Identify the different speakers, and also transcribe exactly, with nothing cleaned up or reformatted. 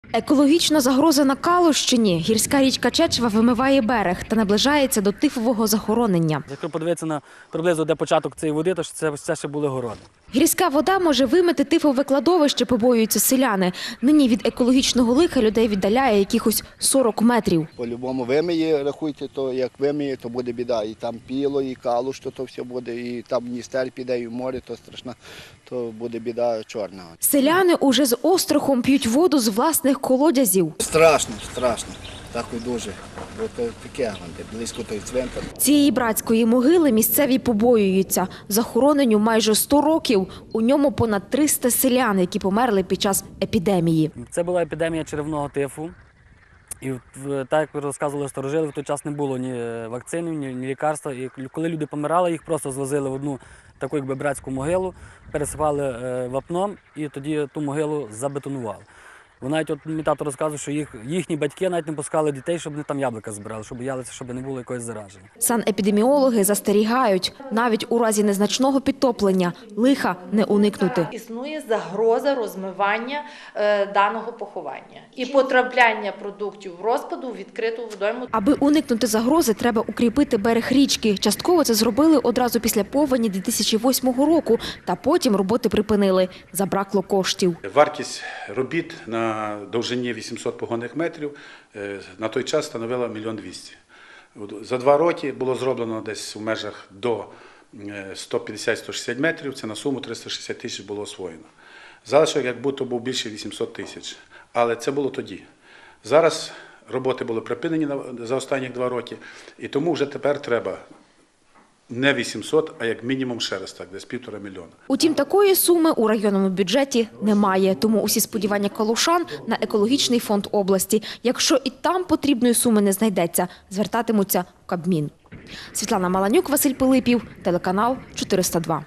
Speaker 1: Екологічна загроза на Калущині. Гірська річка Чечва вимиває берег та наближається до тифового захоронення.
Speaker 2: Якщо подивитися на приблизно де початок цієї води, то це, це ще були городи.
Speaker 1: Гірська вода може вимити тифове кладовище, побоюються селяни. Нині від екологічного лиха людей віддаляє якихось сорок метрів.
Speaker 3: По-любому вимиє, рахуйте, то як вимиє, то буде біда. І там піло, і калуш, то, то все буде, і там Дністер піде, і в море, то страшно, то буде біда чорна.
Speaker 1: Селяни уже з острахом п'ють воду з власних колодязів.
Speaker 3: Страшно, страшно. Так і дуже. Бо то таке, близько той цвинтар.
Speaker 1: Цієї братської могили місцеві побоюються. Захороненню майже сто років. У ньому понад триста селян, які померли під час епідемії.
Speaker 2: Це була епідемія черевного тифу. І так, як ви розказували старожили, в той час не було ні вакцинів, ні, ні лікарства. І коли люди помирали, їх просто звозили в одну таку якби братську могилу, пересипали вапном і тоді ту могилу забетонували. Бо навіть от мій тато розказує, що їх, їхні батьки навіть не пускали дітей, щоб вони там яблука збирали, щоб боялися, щоб не було якогось зараження.
Speaker 1: Санепідеміологи застерігають, навіть у разі незначного підтоплення лиха не уникнути.
Speaker 4: Існує загроза розмивання е, даного поховання і потрапляння продуктів розпаду у відкриту водойму.
Speaker 1: Аби уникнути загрози, треба укріпити берег річки. Частково це зробили одразу після повені дві тисячі восьмого року, та потім роботи припинили. Забракло коштів.
Speaker 5: Вартість робіт на довжині вісімсот погонних метрів на той час становила мільйон двісті. За два роки було зроблено десь в межах до сто п'ятдесят - сто шістдесят метрів, це на суму триста шістдесят тисяч було освоєно. Залишок як будто був більше вісімсот тисяч, але це було тоді. Зараз роботи були припинені за останні два роки, і тому вже тепер треба не вісімсот, а як мінімум ще раз так, десь півтора мільйона.
Speaker 1: Утім, такої суми у районному бюджеті немає. Тому усі сподівання калушан на екологічний фонд області. Якщо і там потрібної суми не знайдеться, звертатимуться в Кабмін. Світлана Маланюк, Василь Пилипів, телеканал чотириста два.